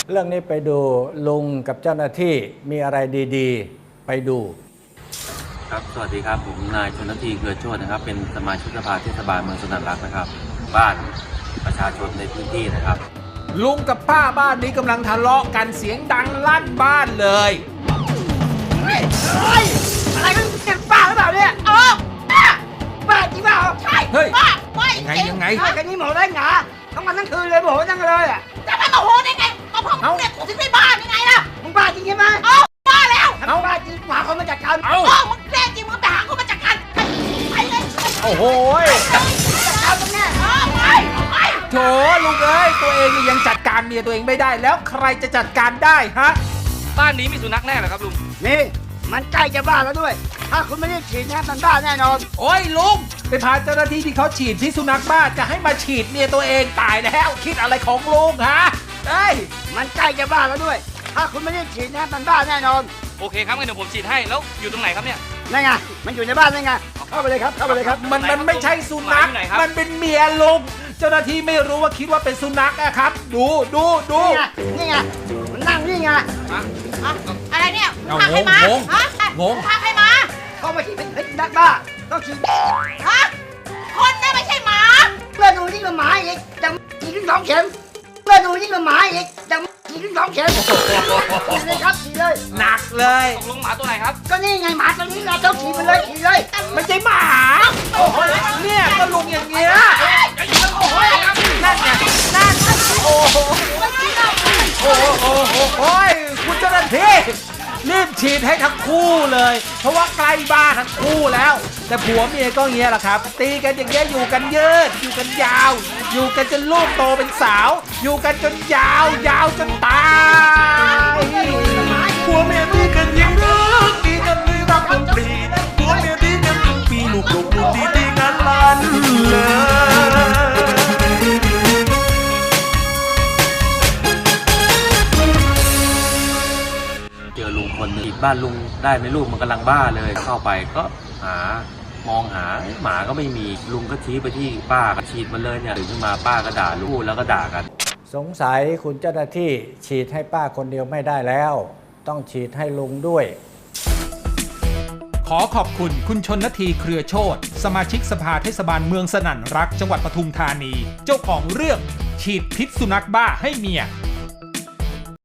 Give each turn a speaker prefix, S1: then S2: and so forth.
S1: เรื่องนี้ไปดูลุงกับเจ้าหน้าที่มีอะไรดีๆ ไปดู
S2: ครับสวัสดีครับผมนายชนทีเกลือโชตินะครับเป็นสมาชิกสภาเทศบาลเมืองสนันรักนะครับบ้านประชาชนในพื้นที่นะครับ
S3: ลุงกับป้าบ้านนี้กำลังทะเลาะกันเสียงดังลั่นบ้านเลย
S4: อะไรกันเนี่ยป้าหรือเปล่าเนี่ยป้าจริงเปล่าใช่
S3: เฮ้ย
S4: ป้าไม่
S3: ยังไง
S4: ป้าแค่นี้หมอได้หงาทั้งวันทั้งคืนเลยโมโหจังเลยอ่ะจะไม่โมโหได้ไงก็เพราะมึงเนี่ยถึงได้บ้ายังไงล่ะมึงบ้าจริงใช่ไหมบ้าแล้วถ้าบ้าจริงหาคนมาจัดการมึงแน่จริงมึงไปหาคนมาจัดการไปเลย
S3: โอ้โห
S4: จัดการมึงแน่ไป
S3: โถลุงเอ้ยตัวเองนี่ยังจัดการเมียตัวเองไม่ได้แล้วใครจะจัดการได้ฮะ
S5: บ้านนี้มีสุนัขแน่เหรอครับลุง
S4: นี่มันใกล้จะบ้าแล้วด้วยถ้าคุณไม่ได้ฉีดนะมันบ้าแน่นอน
S3: โอ้ยลุงไปพาเจ้าหน้าที่ที่เขาฉีดพิษสุนัขบ้าจะให้มาฉีดเมียตัวเองตายแล้วคิดอะไรของลุงฮะเอ้ย
S4: มันใกล้จะบ้าแล้วด้วย ถ้าคุณไม่ได้ฉีดนะมันบ้าแน่นอน
S5: โอเคครับงั้นเดี๋ยวผมฉีดให้แล้วอยู่ตรงไหนครับเนี่ย
S4: นั่นไงมันอยู่ในบ้านนั่นไงเข้าไปเลยครับเข้าไปเลยครับ
S3: มันไม่ใช่สุนัข
S5: หมาอยู่ไหนครับ
S3: มันเป็นเมียลุงเจ้าหน้าที่ไม่รู้ว่าคิดว่าเป็นสุนัขอะครับ ดู
S4: นี่ไงมันนั่งนี่ไง
S6: อะไรเนี่ย
S3: เอา
S6: พาใครมา
S3: งง
S6: ฮะ
S3: งง
S6: พาใครมา
S4: เข้ามาฉีดเป็นเพชรนักบ้าต้องฉีด
S6: ฮะคนน่ะไม่ใช่หมา
S4: เลือดหนูยิ่งกว่าหมาอีกยังฉีดถึง2 เข็มเลือดหนูยิ่งกว่าหมาอีกยังฉีดถึง2 เข็มฉีดเลยครับฉีดเลย
S3: หนักเลย
S5: ตกลงหมาตัวไหนครับ
S4: ก็นี่ไงหมาตัวนี้ไงต้องฉีดไปเลยฉีดเลย
S3: ไม่ใช่หมาโอ้โหเนี่ยก็ลุงอย่างเงี้ยนั่นไงนั่นโอ้โหโอ้ยคุณเจ้าหน้าที่รีบฉีดให้ทั้งคู่เลย เพราะว่าใกล้บ้านทั้งคู่แล้ว แต่ผัวเมียก็เงี้ยแหละครับ ตีกันอย่างเงี้ยอยู่กันยืดอยู่กันยาว อยู่กันจนลูกโตเป็นสาว อยู่กันจนยาวยาวจนตายผัวเมียตีกันอย่างนี้ตีกันไม่รักกันปรีผัวเมียตีกันทุกปีลูกตีกันลั่นเลย
S2: เจอลุงคนหนึงบ้านลุงได้ไหมลูกมันกำลังบ้าเลยเข้าไปก็มองหาหมาก็ไม่มีลุงก็ชี้ไปที่ป้าก็ฉีดมันเลยเนี่ยตื่นขึ้นมาป้าก็ด่าลูกแล้วก็ด่ากัน
S1: สงสัยคุณเจ้าหน้าที่ฉีดให้ป้าคนเดียวไม่ได้แล้ว ต้องฉีดให้ลุงด้วย
S3: ขอขอบคุณคุณชนทีเครือโชติสมาชิกสภาเทศบาลเมืองสนั่นรักจังหวัดปทุมธานี เจ้าของเรื่องฉีดพิษสุนัขบ้าให้เมีย